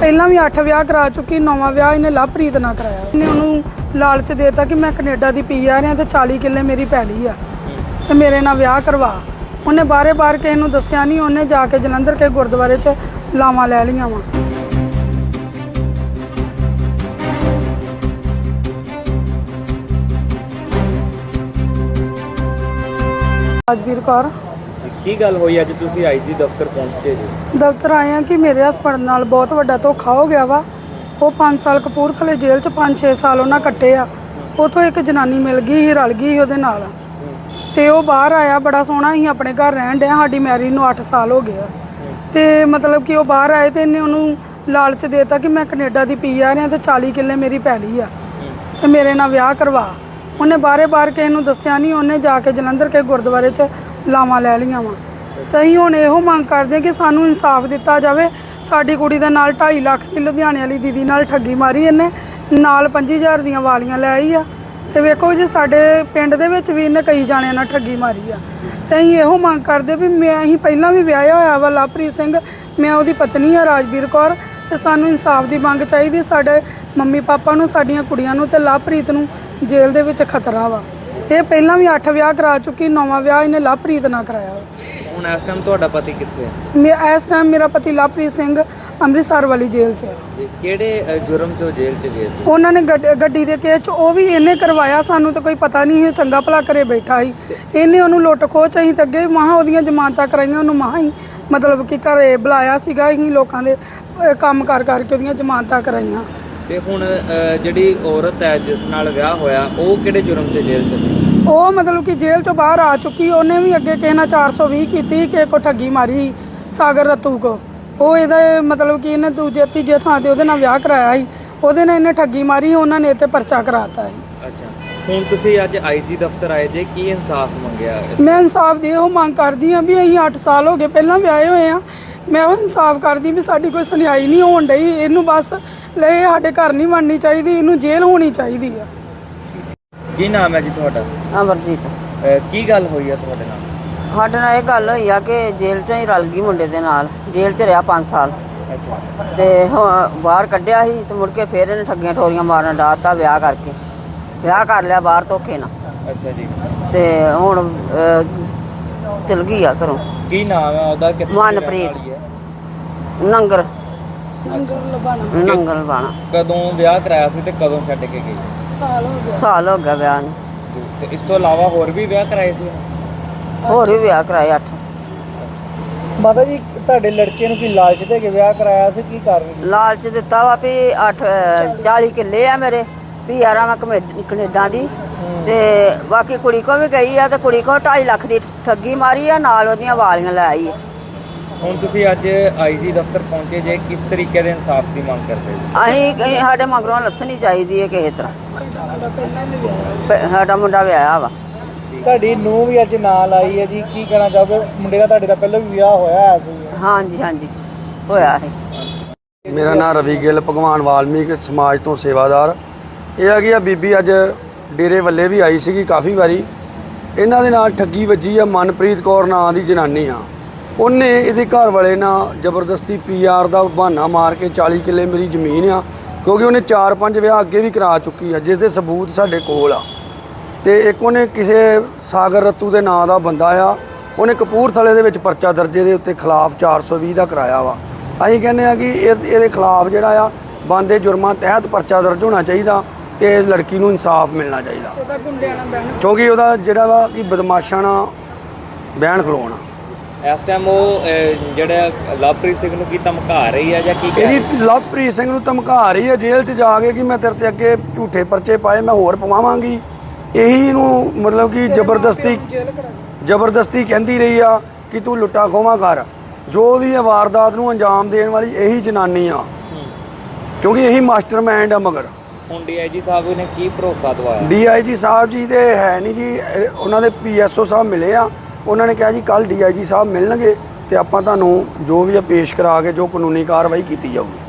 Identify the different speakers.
Speaker 1: ਪਹਿਲਾਂ ਵੀ 8 ਵਿਆਹ ਕਰਾ ਚੁੱਕੀ, 9ਵਾਂ ਵਿਆਹ ਇਹਨੇ ਲਵਪ੍ਰੀਤ ਨਾਲ ਕਰਾਇਆ। ਇਹਨੇ ਉਹਨੂੰ ਲਾਲਚ ਦੇਤਾ ਕਿ ਮੈਂ ਕੈਨੇਡਾ ਦੀ PR ਆ ਤੇ 40 ਕਿੱਲੇ ਮੇਰੀ ਪੈਲੀ ਆ ਤੇ ਮੇਰੇ ਨਾਲ ਵਿਆਹ ਕਰਵਾ। ਉਹਨੇ ਬਾਰੇ-ਬਾਰ ਕਿਸੇ ਨੂੰ ਦੱਸਿਆ ਨਹੀਂ, ਉਹਨੇ ਜਾ ਕੇ ਜਲੰਧਰ ਕੇ ਗੁਰਦੁਆਰੇ 'ਚ ਲਾਵਾਂ ਲੈ ਲਈਆਂ ਵਾ। ਰਾਜਵੀਰ ਕੌਰ।
Speaker 2: ਕੀ ਗੱਲ ਹੋਈ ਅੱਜ ਤੁਸੀਂ IG ਦਫ਼ਤਰ ਪਹੁੰਚੇ ਜੀ?
Speaker 1: ਦਫ਼ਤਰ ਆਏ ਆ ਕਿ ਮੇਰੇ ਹਸਬੰਡ ਨਾਲ ਬਹੁਤ ਵੱਡਾ ਧੋਖਾ ਹੋ ਗਿਆ ਵਾ। ਉਹ 5 ਸਾਲ ਕਪੂਰਥਲੇ ਜੇਲ੍ਹ 'ਚ 5-6 ਸਾਲ ਉਹਨਾਂ ਕੱਟੇ ਆ। ਉੱਥੋਂ ਇੱਕ ਜਨਾਨੀ ਮਿਲ ਗਈ ਸੀ, ਰਲ ਗਈ ਸੀ ਉਹਦੇ ਨਾਲ ਤੇ ਉਹ ਬਾਹਰ ਆਇਆ। ਬੜਾ ਸੋਹਣਾ ਸੀ, ਆਪਣੇ ਘਰ ਰਹਿਣ ਡਿਆ। ਸਾਡੀ ਮੈਰਿਜ ਨੂੰ 8 ਸਾਲ ਹੋ ਗਏ ਆ ਤੇ ਮਤਲਬ ਕਿ ਉਹ ਬਾਹਰ ਆਏ ਤੇ ਇਹਨੇ ਉਹਨੂੰ ਲਾਲਚ ਦੇਤਾ ਕਿ ਮੈਂ ਕੈਨੇਡਾ ਦੀ PR ਆ ਤੇ 40 ਕਿੱਲੇ ਮੇਰੀ ਪੈਲੀ ਆ ਤੇ ਮੇਰੇ ਨਾਲ ਵਿਆਹ ਕਰਵਾ। ਉਹਨੇ ਬਾਰੇ-ਬਾਰ ਕਿਸੇ ਨੂੰ ਦੱਸਿਆ ਨਹੀਂ, ਉਹਨੇ ਜਾ ਕੇ ਜਲੰਧਰ ਕੇ ਗੁਰਦੁਆਰੇ 'ਚ ਲਾਵਾਂ ਲੈ ਲਈਆਂ ਵਾ। ਤੇ ਅਸੀਂ ਹੁਣ ਇਹੋ ਮੰਗ ਕਰਦੇ ਕਿ ਸਾਨੂੰ ਇਨਸਾਫ ਦਿੱਤਾ ਜਾਵੇ। ਸਾਡੀ ਕੁੜੀ ਦੇ ਨਾਲ 2.5 ਲੱਖ ਦੀ ਲੁਧਿਆਣੇ ਵਾਲੀ ਦੀਦੀ ਨਾਲ ਠੱਗੀ ਮਾਰੀ ਇਹਨੇ, ਨਾਲ 25,000 ਦੀਆਂ ਵਾਲੀਆਂ ਲੈ ਆਈ ਆ। ਤੇ ਵੇਖੋ ਜੀ ਸਾਡੇ ਪਿੰਡ ਦੇ ਵਿੱਚ ਵੀ ਇਹਨੇ ਕਈ ਜਾਣਿਆਂ ਨਾਲ ਠੱਗੀ ਮਾਰੀ ਆ। ਤੇ ਅਸੀਂ ਇਹੋ ਮੰਗ ਕਰਦੇ ਵੀ ਅਸੀਂ ਪਹਿਲਾਂ ਵੀ ਵਿਆਹਿਆ ਹੋਇਆ ਵਾ ਲਵਪ੍ਰੀਤ ਸਿੰਘ, ਮੈਂ ਉਹਦੀ ਪਤਨੀ ਆ ਰਾਜਵੀਰ ਕੌਰ, ਤੇ ਸਾਨੂੰ ਇਨਸਾਫ ਦੀ ਮੰਗ ਚਾਹੀਦੀ। ਸਾਡੇ ਮੰਮੀ ਪਾਪਾ ਨੂੰ, ਸਾਡੀਆਂ ਕੁੜੀਆਂ ਨੂੰ ਤੇ ਲਵਪ੍ਰੀਤ ਨੂੰ ਜੇਲ੍ਹ ਦੇ ਵਿੱਚ ਖਤਰਾ ਵਾ। ਇਹ ਪਹਿਲਾਂ ਵੀ 8 ਵਿਆਹ ਕਰਾ ਚੁੱਕੀ, 9ਵਾਂ ਵਿਆਹ ਇਹਨੇ ਲਵਪ੍ਰੀਤ ਨਾਲ ਕਰਾਇਆ।
Speaker 2: ਹੁਣ ਇਸ ਟਾਈਮ ਤੁਹਾਡਾ ਪਤੀ ਕਿੱਥੇ ਹੈ?
Speaker 1: ਇਸ ਟਾਈਮ ਮੇਰਾ ਪਤੀ ਲਵਪ੍ਰੀਤ ਸਿੰਘ ਅੰਮ੍ਰਿਤਸਰ ਵਾਲੀ ਜੇਲ੍ਹ 'ਚ ਹੈ।
Speaker 2: ਕਿਹੜੇ ਜੁਰਮ 'ਚ ਜੇਲ੍ਹ 'ਚ ਗਏ ਸੀ?
Speaker 1: ਉਹਨਾਂ ਨੇ ਗੱਡੀ ਦੇ ਕੇਸ 'ਚ ਉਹ ਵੀ ਇਹਨੇ ਕਰਵਾਇਆ। ਸਾਨੂੰ ਤਾਂ ਕੋਈ ਪਤਾ ਨਹੀਂ, ਇਹ ਚੰਗਾ ਭਲਾ ਘਰੇ ਬੈਠਾ ਸੀ। ਇਹਨੇ ਉਹਨੂੰ ਲੁੱਟ ਖੋਹ ਚ ਅਸੀਂ ਤਾਂ ਅੱਗੇ ਮਹਾਂ ਉਹਦੀਆਂ ਜ਼ਮਾਨਤਾਂ ਕਰਾਈਆਂ, ਉਹਨੂੰ ਮਹਾਂ ਹੀ ਮਤਲਬ ਕਿ ਘਰੇ ਬੁਲਾਇਆ ਸੀਗਾ। ਅਸੀਂ ਲੋਕਾਂ ਦੇ ਕੰਮ ਕਰਕੇ ਉਹਦੀਆਂ ਜ਼ਮਾਨਤਾਂ ਕਰਾਈਆਂ।
Speaker 2: ਤੇ ਹੁਣ ਜਿਹੜੀ ਔਰਤ ਹੈ ਜਿਸ ਨਾਲ ਵਿਆਹ ਹੋਇਆ, ਉਹ ਕਿਹੜੇ ਜੁਰਮ 'ਚ ਜੇਲ੍ਹ 'ਚ ਸੀ? ਉਹ
Speaker 1: ਮਤਲਬ ਕਿ ਜੇਲ੍ਹ ਤੋਂ ਬਾਹਰ ਆ ਚੁੱਕੀ। ਉਹਨੇ ਵੀ ਅੱਗੇ ਕਿਸੇ ਨਾਲ 420 ਕੀਤੀ, ਕਿਸੇ ਕੋ ਠੱਗੀ ਮਾਰੀ, ਸਾਗਰ ਰਤੂ ਕੋ। ਉਹ ਇਹਦਾ ਮਤਲਬ ਕਿ ਇਹਨੇ ਦੂਜੇ ਤੀਜੇ ਥਾਂ ਤੇ ਉਹਦੇ ਨਾਲ ਵਿਆਹ ਕਰਾਇਆ ਸੀ। ਉਹਦੇ ਨਾਲ ਇਹਨੇ ਠੱਗੀ ਮਾਰੀ, ਉਹਨਾਂ ਨੇ ਇਹ 'ਤੇ ਪਰਚਾ ਕਰਾਤਾ ਸੀ।
Speaker 2: ਅੱਛਾ, ਹੁਣ ਤੁਸੀਂ ਅੱਜ IG ਦਫ਼ਤਰ ਆਏ ਜੇ, ਕੀ ਇਨਸਾਫ ਮੰਗਿਆ?
Speaker 1: ਮੈਂ ਇਨਸਾਫ ਦੀ ਉਹ ਮੰਗ ਕਰਦੀ ਹਾਂ ਵੀ ਅਸੀਂ 8 ਸਾਲ ਹੋ ਗਏ ਪਹਿਲਾਂ ਵਿਆਹੇ ਹੋਏ ਆ। ਮੈਂ ਉਹ ਇਨਸਾਫ ਕਰਦੀ ਵੀ ਸਾਡੀ ਕੋਈ ਸੁਣਾਈ ਨਹੀਂ ਹੋਣ ਡਈ। ਇਹਨੂੰ ਬਸ ਲੈ ਸਾਡੇ ਘਰ ਨਹੀਂ ਬਣਨੀ ਚਾਹੀਦੀ, ਇਹਨੂੰ ਜੇਲ੍ਹ ਹੋਣੀ ਚਾਹੀਦੀ ਆ।
Speaker 2: ਕੀ ਨਾਮ ਹੈ ਜੀ ਤੁਹਾਡਾ?
Speaker 3: ਅਮਰਜੀਤ।
Speaker 2: ਕੀ ਗੱਲ ਹੋਈ ਹੈ ਤੁਹਾਡੇ ਨਾਲ?
Speaker 3: ਸਾਡੇ ਨਾਲ ਇਹ ਗੱਲ ਹੋਈ ਆ ਕਿ ਜੇਲ੍ਹ 'ਚ ਹੀ ਰਲ ਗਈ ਮੁੰਡੇ ਦੇ ਨਾਲ। ਜੇਲ੍ਹ 'ਚ ਰਿਹਾ 5 ਸਾਲ
Speaker 2: ਅੱਛਾ।
Speaker 3: ਤੇ ਬਾਹਰ ਕੱਢਿਆ ਸੀ ਤੇ ਮੁੜ ਕੇ ਫਿਰ ਇਹਨੇ ਠੱਗੀਆਂ ਠੋਰੀਆਂ ਮਾਰਨ ਡਾਤਾ। ਵਿਆਹ ਕਰਕੇ ਵਿਆਹ ਕਰ ਲਿਆ ਬਾਹਰ ਧੋਖੇ ਨਾਲ।
Speaker 2: ਅੱਛਾ ਜੀ।
Speaker 3: ਤੇ ਹੁਣ ਚਲ ਗਈ ਆ ਘਰੋਂ।
Speaker 2: ਕੀ ਨਾਮ ਹੈ ਉਹਦਾ?
Speaker 3: ਮਨਪ੍ਰੀਤ। ਨੰਗਲ ਬਾਣਾ।
Speaker 2: ਕਦੋਂ ਵਿਆਹ ਕਰਾਇਆ ਸੀ ਤੇ ਕਦੋਂ ਛੱਡ ਕੇ ਗਈ?
Speaker 3: ਸਾਲ ਹੋ ਗਿਆ ਵਿਆਹ ਨੂੰ।
Speaker 2: ਤੇ ਇਸ ਤੋਂ ਇਲਾਵਾ ਹੋਰ ਵੀ ਵਿਆਹ ਕਰਾਏ ਸੀ?
Speaker 3: ਹੋਰ ਵੀ ਵਿਆਹ ਕਰਾਏ 8।
Speaker 4: ਮਾਤਾ ਜੀ, ਤੁਹਾਡੇ ਲੜਕੇ ਨੂੰ ਕੀ ਲਾਲਚ ਦੇ ਕੇ ਵਿਆਹ ਕਰਾਇਆ ਸੀ? ਕੀ ਕਾਰਨ?
Speaker 3: ਲਾਲਚ ਦਿੱਤਾ ਵਾ ਵੀ 40 ਕਿੱਲੇ ਆ ਮੇਰੇ, PR ਆ ਮੈਂ ਕੈਨੇਡਾ ਦੀ। ਤੇ ਬਾਕੀ ਕੁੜੀ ਕੋ ਵੀ ਗਈ ਆ ਤੇ ਕੁੜੀ ਕੋ 2.5 ਲੱਖ ਦੀ ਠੱਗੀ ਮਾਰੀ ਆ, ਨਾਲ ਉਹਦੀਆਂ ਵਾਲੀਆਂ ਲੈ ਆਈ ਆ।
Speaker 2: ਹੁਣ ਤੁਸੀਂ ਅੱਜ IG ਦਫ਼ਤਰ ਪਹੁੰਚੇ ਜੇ, ਕਿਸ ਤਰੀਕੇ ਦੇ ਇਨਸਾਫ ਦੀ ਮੰਗ ਕਰਦੇ ਹੋ?
Speaker 3: ਅਸੀਂ ਸਾਡੇ ਮਗਰੋਂ ਲੱਥਣੀ ਚਾਹੀਦੀ ਹੈ ਕਿਸੇ ਤਰ੍ਹਾਂ। ਸਾਡਾ ਮੁੰਡਾ ਵਿਆਹਿਆ ਵਾ।
Speaker 4: ਤੁਹਾਡੀ ਨੂੰਹ ਵੀ ਅੱਜ ਨਾਲ ਆਈ ਹੈ ਜੀ, ਕੀ ਕਹਿਣਾ ਚਾਹੋਗੇ? ਮੁੰਡੇ ਦਾ ਤੁਹਾਡੇ ਦਾ ਪਹਿਲਾਂ ਵੀ ਵਿਆਹ ਹੋਇਆ ਸੀ?
Speaker 3: ਹਾਂਜੀ ਹੋਇਆ ਹੈ।
Speaker 5: ਮੇਰਾ ਨਾਮ ਰਵੀ ਗਿੱਲ, ਭਗਵਾਨ ਵਾਲਮੀਕ ਸਮਾਜ ਤੋਂ ਸੇਵਾਦਾਰ। ਇਹ ਹੈਗੀ ਆ ਬੀਬੀ ਅੱਜ ਡੇਰੇ ਵੱਲੇ ਵੀ ਆਈ ਸੀਗੀ ਕਾਫੀ ਵਾਰੀ। ਇਹਨਾਂ ਦੇ ਨਾਲ ਠੱਗੀ ਵੱਜੀ ਆ। ਮਨਪ੍ਰੀਤ ਕੌਰ ਨਾਂ ਦੀ ਜਨਾਨੀ ਆ। ਉਹਨੇ ਇਹਦੇ ਘਰ ਵਾਲੇ ਨਾਲ ਜ਼ਬਰਦਸਤੀ PR ਦਾ ਬਹਾਨਾ ਮਾਰ ਕੇ 40 ਕਿੱਲੇ ਮੇਰੀ ਜ਼ਮੀਨ ਆ, ਕਿਉਂਕਿ ਉਹਨੇ 4-5 ਵਿਆਹ ਅੱਗੇ ਵੀ ਕਰਾ ਚੁੱਕੀ ਆ, ਜਿਸ ਦੇ ਸਬੂਤ ਸਾਡੇ ਕੋਲ ਆ। ਤੇ ਇੱਕ ਉਹਨੇ ਕਿਸੇ ਸਾਗਰ ਰਤੂ ਦੇ ਨਾਂ ਦਾ ਬੰਦਾ ਆ, ਉਹਨੇ ਕਪੂਰਥਲੇ ਦੇ ਵਿੱਚ ਪਰਚਾ ਦਰਜੇ ਦੇ ਉੱਤੇ ਖਿਲਾਫ 420 ਦਾ ਕਰਾਇਆ ਵਾ। ਅਸੀਂ ਕਹਿੰਦੇ ਆ ਕਿ ਇਹਦੇ ਖਿਲਾਫ ਜਿਹੜਾ ਆ ਬਣਦੇ ਜੁਰਮਾਂ ਤਹਿਤ ਪਰਚਾ ਦਰਜ ਹੋਣਾ ਚਾਹੀਦਾ ਤੇ ਇਸ ਲੜਕੀ ਨੂੰ ਇਨਸਾਫ ਮਿਲਣਾ ਚਾਹੀਦਾ, ਕਿਉਂਕਿ ਉਹਦਾ ਜਿਹੜਾ ਵਾ ਕਿ ਬਦਮਾਸ਼ਾਂ ਨਾਲ ਬਹਿਣ ਖਲੋਣਾ।
Speaker 2: ਇਸ ਟਾਈਮ ਉਹ ਜਿਹੜਾ ਲਵਪ੍ਰੀਤ ਸਿੰਘ ਨੂੰ ਕੀ ਧਮਕਾ ਰਹੀ ਹੈ ਜਾਂ ਕੀ?
Speaker 5: ਇਹਦੀ ਲਵਪ੍ਰੀਤ ਸਿੰਘ ਨੂੰ ਧਮਕਾ ਰਹੀ ਹੈ ਜੇਲ੍ਹ 'ਚ ਜਾ ਕੇ ਕਿ ਮੈਂ ਤੇਰੇ ਤੇ ਅੱਗੇ ਝੂਠੇ ਪਰਚੇ ਪਾਏ, ਮੈਂ ਹੋਰ ਪਵਾਵਾਂਗੀ। ਇਹੀ ਨੂੰ ਮਤਲਬ ਕਿ ਜ਼ਬਰਦਸਤੀ ਕਹਿੰਦੀ ਰਹੀ ਆ ਕਿ ਤੂੰ ਲੁੱਟਾ ਖੋਹਾਂ ਕਰ। ਜੋ ਵੀ ਇਹ ਵਾਰਦਾਤ ਨੂੰ ਅੰਜਾਮ ਦੇਣ ਵਾਲੀ ਇਹੀ ਜਨਾਨੀ ਆ, ਕਿਉਂਕਿ ਇਹੀ ਮਾਸਟਰਮਾਈਂਡ ਆ। ਮਗਰ
Speaker 2: ਹੁਣ DIG ਸਾਹਿਬ ਨੇ ਕੀ ਭਰੋਸਾ ਦਵਾਇਆ?
Speaker 5: DIG ਸਾਹਿਬ ਜੀ ਤੇ ਹੈ ਨਹੀਂ ਜੀ, ਉਹਨਾਂ ਦੇ PSO ਸਾਹਿਬ ਮਿਲੇ ਆ। ਉਹਨਾਂ ਨੇ ਕਿਹਾ ਜੀ ਕੱਲ੍ਹ DIG ਸਾਹਿਬ ਮਿਲਣਗੇ ਤੇ ਆਪਾਂ ਤੁਹਾਨੂੰ ਜੋ ਵੀ ਆ ਪੇਸ਼ ਕਰਾ ਕੇ ਜੋ ਕਾਨੂੰਨੀ ਕਾਰਵਾਈ ਕੀਤੀ ਜਾਊਗੀ।